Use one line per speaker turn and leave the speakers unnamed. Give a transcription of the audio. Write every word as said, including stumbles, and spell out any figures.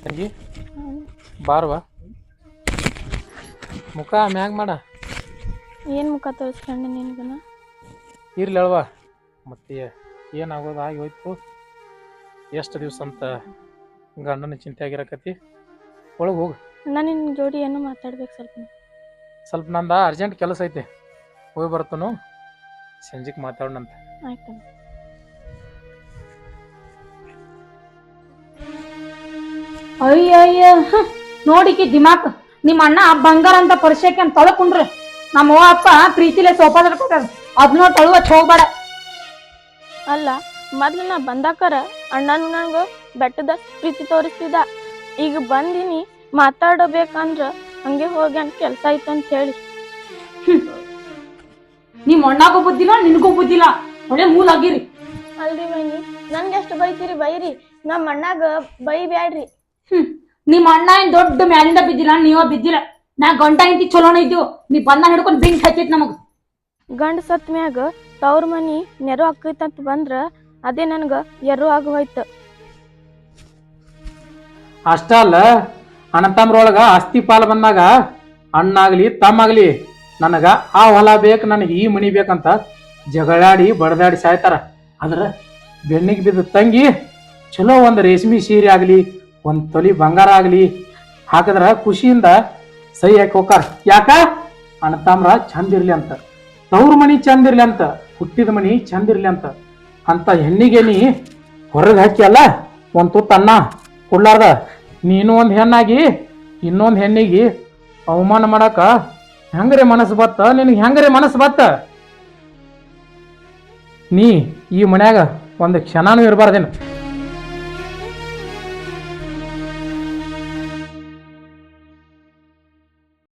ತಂಗಿ ಬಾರ್ವಾ ಮುಖ ಮ್ಯಾಗ ಮಾಡ
ಏನು ಮುಖ ತೋರಿಸ್ಕೊಂಡೆ ನಿನ್ಗನ
ಇರ್ಲಿ ಅಲ್ವಾ ಮತ್ತೆ ಏನಾಗೋದು ಆಗಿ ಹೋಯ್ತು ಎಷ್ಟು ದಿವ್ಸ ಅಂತ ಗಂಡನ ಚಿಂತೆ ಆಗಿರಕತಿ ಒಳಗೆ ಹೋಗು
ನಾನು ನಿನ್ನ ಜೋಡಿ ಏನೋ ಮಾತಾಡ್ಬೇಕು ಸ್ವಲ್ಪ
ಸ್ವಲ್ಪ ನಂದ ಅರ್ಜೆಂಟ್ ಕೆಲಸ ಐತೆ ಹೋಗಿ ಬರ್ತನು ಸಂಜೆಗೆ ಮಾತಾಡೋಣಂತ
ಆಯ್ತು
ಅಯ್ಯ ಅಯ್ಯ ನೋಡಿಕಿ ದಿಮಾಕ್ ನಿಮ್ಮ ಅಣ್ಣ ಬಂಗಾರ ಅಂತ ಪರಿಚಯಕ್ಕೆ ಅಂತ ತೊಳಕೊಂಡ್ರಿ ನಮ್ಮ ಅವ್ವ ಅಪ್ಪ ಪ್ರೀತಿಲೆ ಸೋಫಾ ಕೊಟ್ಟಾರ ಅದನ್ನ ತೊಳುವತ್ ಹೋಗ್ಬೇಡ.
ಅಲ್ಲ ಮೊದ್ಲು ನಾ ಬಂದಾಕರ ಅಣ್ಣನು ನಂಗೆ ಬೆಟ್ಟದ ಪ್ರೀತಿ ತೋರಿಸ್ತಿದ್ದ ಈಗ ಬಂದಿನಿ ಮಾತಾಡಬೇಕಂದ್ರ ಹಂಗೆ ಹೋಗಿ ಅಂತ ಕೆಲಸ ಐತೆ ಅಂತ ಹೇಳಿ
ನಿಮ್ ಅಣ್ಣಗೂ ಬುದ್ಧಿಲ್ಲ ನಿನಗೂ ಬುದ್ಧಿಲ್ಲ ಒಳ್ಳೆ ಮೂಲ ಆಗಿರಿ.
ಅಲ್ರಿ ಬೈನಿ ನನ್ಗೆ ಎಷ್ಟು ಬೈತೀರಿ ಬೈರಿ ನಮ್ಮ ಅಣ್ಣಾಗ ಬೈ ಬ್ಯಾಡ್ರಿ.
ಹ್ಮ್ ನಿಮ್ ಅಣ್ಣ ಏನ್ ದೊಡ್ಡ ಮ್ಯಾಲಿಂದ ಬಿದ್ದಿಲ್ಲ ನೀವ ಬಿದ್ದಿಲ್ಲ ನಾ ಗಂಟ ಇಂತಿ ಚಲೋನ ಇದ್ದೀವಿ ನೀ ಬಂದ ಹಿಡ್ಕೊಂಡ್ ಬಿಂಕ್ ಹಚ್ಚೈತ್ ನಮಗ್
ಗಂಡ ಸತ್ ಮ್ಯಾಗ ತವ್ರ ಮನಿ ನೆರು ಆಕೈತಂತ ಬಂದ್ರ ಅದೇ ನನ್ಗ ಎರು ಆಗ ಹೋಯ್ತು.
ಅಷ್ಟ ಅಲ್ಲ ಅಣ್ಣತಮ್ರೊಳಗ ಆಸ್ತಿ ಪಾಲ್ ಬಂದಾಗ ಅಣ್ಣಾಗ್ಲಿ ತಮ್ಮಾಗ್ಲಿ ನನಗ ಆ ಹೊಲ ಬೇಕು ನನಗೆ ಈ ಮನಿ ಬೇಕಂತ ಜಗಳಾಡಿ ಬಡದಾಡಿ ಸಾಯ್ತಾರ. ಆದ್ರ ಬೆನ್ನಿಗೆ ಬಿದ್ದ ತಂಗಿ ಚಲೋ ಒಂದು ರೇಷ್ಮೆ ಸೀರೆ ಆಗ್ಲಿ ಒಂದ್ ತೊಲಿ ಬಂಗಾರ ಆಗ್ಲಿ ಹಾಕಿದ್ರ ಖುಷಿಯಿಂದ ಸೈ ಹಾಕಿ ಹೋಗಾರ. ಯಾಕ ಅಣ್ಣತಮ್ರ ಚಂದ ಇರ್ಲಿ ಅಂತ ತವ್ರ ಮನಿ ಚಂದ ಇರ್ಲಿ ಅಂತ ಹುಟ್ಟಿದ ಮನಿ ಚಂದ ಇರ್ಲಿ ಅಂತ ಅಂತ ಹೆಣ್ಣಿಗೆ ನೀ ಹೊರಗೆ ಹಾಕಿ ಅಲ್ಲ ಒಂದ್ ತುತ್ತ ಅನ್ನ ಕೊಡ್ಲಾರ್ದ ನೀನು ಒಂದ್ ಹೆಣ್ಣಾಗಿ ಇನ್ನೊಂದ್ ಹೆಣ್ಣಿಗೆ ಅವಮಾನ ಮಾಡಾಕ ಹೆಂಗ್ರೆ ಮನಸ್ಸು ಬತ್ತ ನಿನಗೆ ಹೆಂಗ್ರೆ ಮನಸ್ಸು ಬತ್ತ? ನೀ ಈ ಮನ್ಯಾಗ ಒಂದು ಕ್ಷಣನೂ ಇರಬಾರ್ದೇನು.